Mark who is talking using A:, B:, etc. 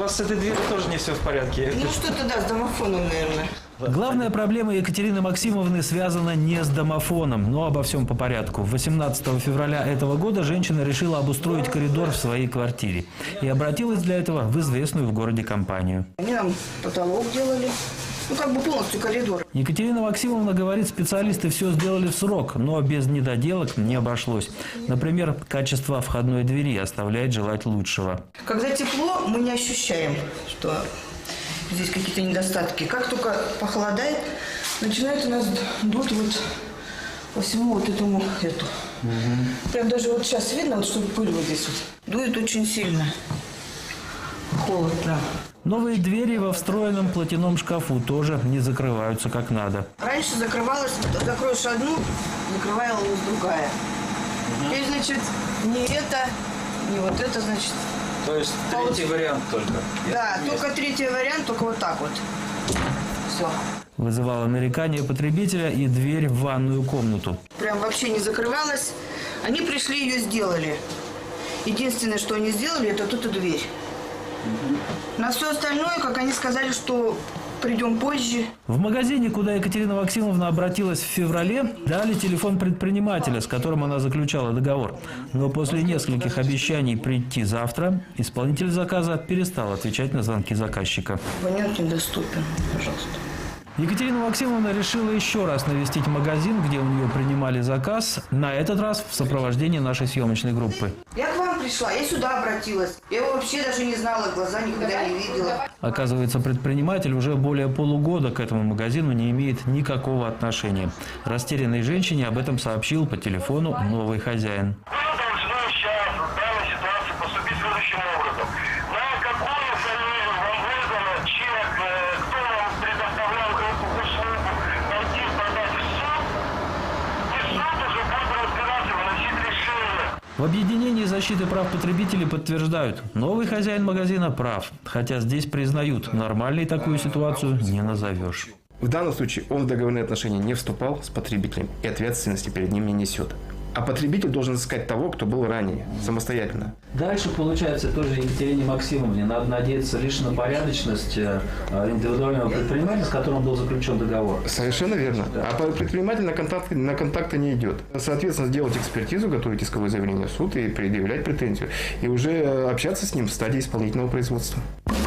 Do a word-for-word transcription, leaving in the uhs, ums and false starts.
A: вас с этой дверью тоже не все в порядке.
B: Ну что-то, да, с домофоном, наверное.
C: Главная проблема Екатерины Максимовны связана не с домофоном, но обо всем по порядку. восемнадцатого февраля этого года женщина решила обустроить коридор в своей квартире и обратилась для этого в известную в городе компанию.
B: Они нам потолок делали, ну как бы полностью коридор.
C: Екатерина Максимовна говорит, специалисты все сделали в срок, но без недоделок не обошлось. Например, качество входной двери оставляет желать лучшего.
B: Когда тепло, мы не ощущаем, что здесь какие-то недостатки. Как только похолодает, начинает у нас дуть вот по всему вот этому эту. Угу. Прям даже вот сейчас видно, вот, что пыль вот здесь вот. Дует очень сильно. Холод прям.
C: Новые двери во встроенном платяном шкафу тоже не закрываются как надо.
B: Раньше закрывалась, закроешь одну, закрывалась другая. Угу. Теперь, значит, не это, не вот это, значит.
A: То есть третий вариант только?
B: Да, есть. Только третий вариант, только вот так вот. Все.
C: Вызывало нарекание потребителя и дверь в ванную комнату.
B: Прям вообще не закрывалась. Они пришли, ее сделали. Единственное, что они сделали, это тут и дверь. Угу. На все остальное, как они сказали, что придем позже.
C: В магазине, куда Екатерина Максимовна обратилась в феврале, дали телефон предпринимателя, с которым она заключала договор. Но после нескольких обещаний прийти завтра, исполнитель заказа перестал отвечать на звонки заказчика.
B: Абонент недоступен, пожалуйста.
C: Екатерина Максимовна решила еще раз навестить магазин, где у нее принимали заказ, на этот раз в сопровождении нашей съемочной группы.
B: Я к вам пришла, я сюда обратилась. Я его вообще даже не знала, глаза никогда не видела.
C: Оказывается, предприниматель уже более полугода к этому магазину не имеет никакого отношения. Растерянной женщине об этом сообщил по телефону новый хозяин. В объединении защиты прав потребителей подтверждают, новый хозяин магазина прав, хотя здесь признают, нормальной такую ситуацию не назовешь.
D: В данном случае он в договорные отношения не вступал с потребителем и ответственности перед ним не несет. А потребитель должен искать того, кто был ранее, самостоятельно.
C: Дальше, получается, тоже Екатерине Максимовне надо надеяться лишь на порядочность индивидуального предпринимателя, с которым был заключен договор.
D: Совершенно верно. Да. А предприниматель на контакты, на контакты не идет. Соответственно, сделать экспертизу, готовить исковое заявление в суд и предъявлять претензию. И уже общаться с ним в стадии исполнительного производства.